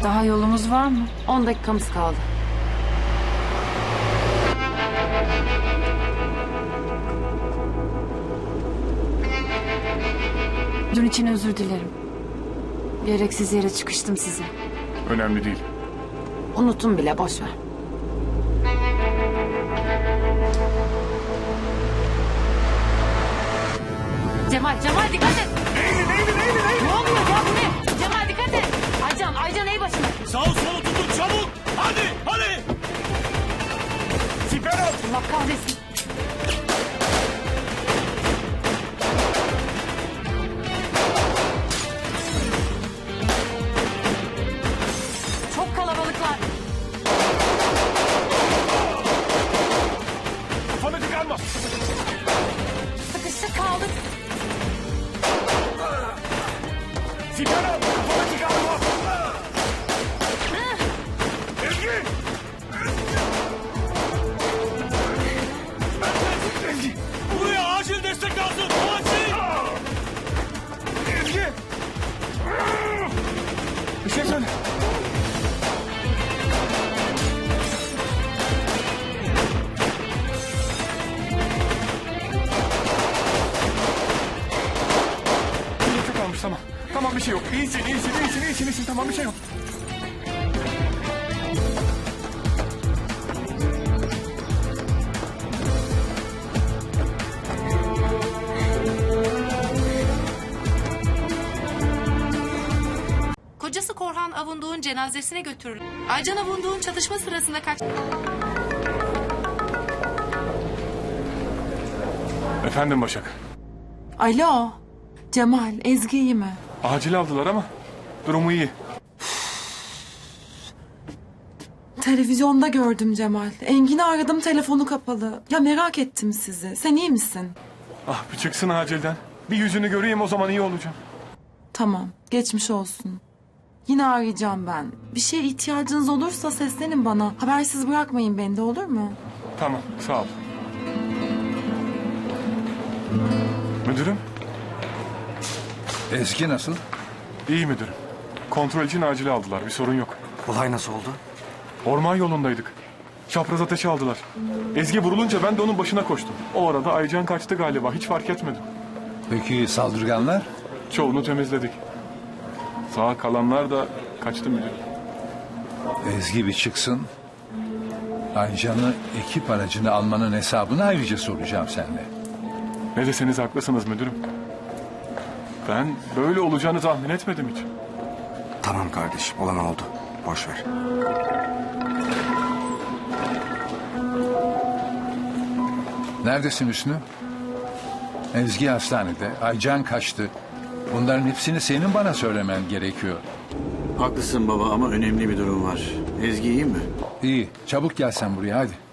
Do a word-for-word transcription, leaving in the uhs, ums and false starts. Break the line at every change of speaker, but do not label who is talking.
Daha yolumuz var mı?
On dakikamız kaldı.
Dün için özür dilerim. Gereksiz yere çıkıştım size.
Önemli değil.
Unuttum bile, boş ver. Cemal, Cemal dikkat et.
Neydi neydi neydi neydi?
Ne oluyor ya, bu ne? Cemal dikkat et. Aycan, Aycan ey başına.
Sağ solu tutun çabuk. Hadi hadi. Siper al.
Allah kahretsin. Çok kalabalıklar.
Kafanı çıkarma.
Sıkıştık kaldık.
Siper al. Kafanı çıkarma. Ezgi. Ezgi. Buraya acil destek lazım. Acil. Ezgi. Bir şey söyle. Nefes kalmış, tamam. Tamam, bir şey yok. İyisin, iyisin, iyisin, iyisin, iyisin. Tamam, bir şey yok.
Kocası Korhan Avunduğ'un cenazesine götürüldü. Aycan Avunduğ'un çatışma sırasında kaç...
Efendim Başak.
Alo. Cemal, Ezgi iyi mi?
Acil aldılar ama durumu iyi.
Televizyonda gördüm Cemal. Engin'i aradım, telefonu kapalı. Ya merak ettim sizi. Sen iyi misin?
Ah, bir çıksın acilden. Bir yüzünü göreyim, o zaman iyi olacağım.
Tamam, geçmiş olsun. Yine arayacağım ben. Bir şeye ihtiyacınız olursa seslenin bana. Habersiz bırakmayın beni de, olur mu?
Tamam, sağ ol. Müdürüm,
Ezgi nasıl?
iyi müdürüm. Kontrol için acil aldılar, bir sorun yok.
Olay nasıl oldu?
Orman yolundaydık. Çapraz ateşi aldılar. Ezgi vurulunca ben de onun başına koştum. O arada Aycan kaçtı galiba, hiç fark etmedim.
Peki saldırganlar?
Çoğunu temizledik. Sağ kalanlar da kaçtı müdürüm.
Ezgi bir çıksın. Aycan'ı ekip aracını almanın hesabını ayrıca soracağım seninle.
Ne deseniz haklısınız müdürüm. Ben böyle olacağını tahmin etmedim hiç.
Tamam kardeşim, olan oldu. Boş ver.
Neredesin Hüsnü? Ezgi hastanede. Aycan kaçtı. Bunların hepsini senin bana söylemen gerekiyor.
Haklısın baba ama önemli bir durum var. Ezgi iyi mi?
İyi. Çabuk gel sen buraya hadi.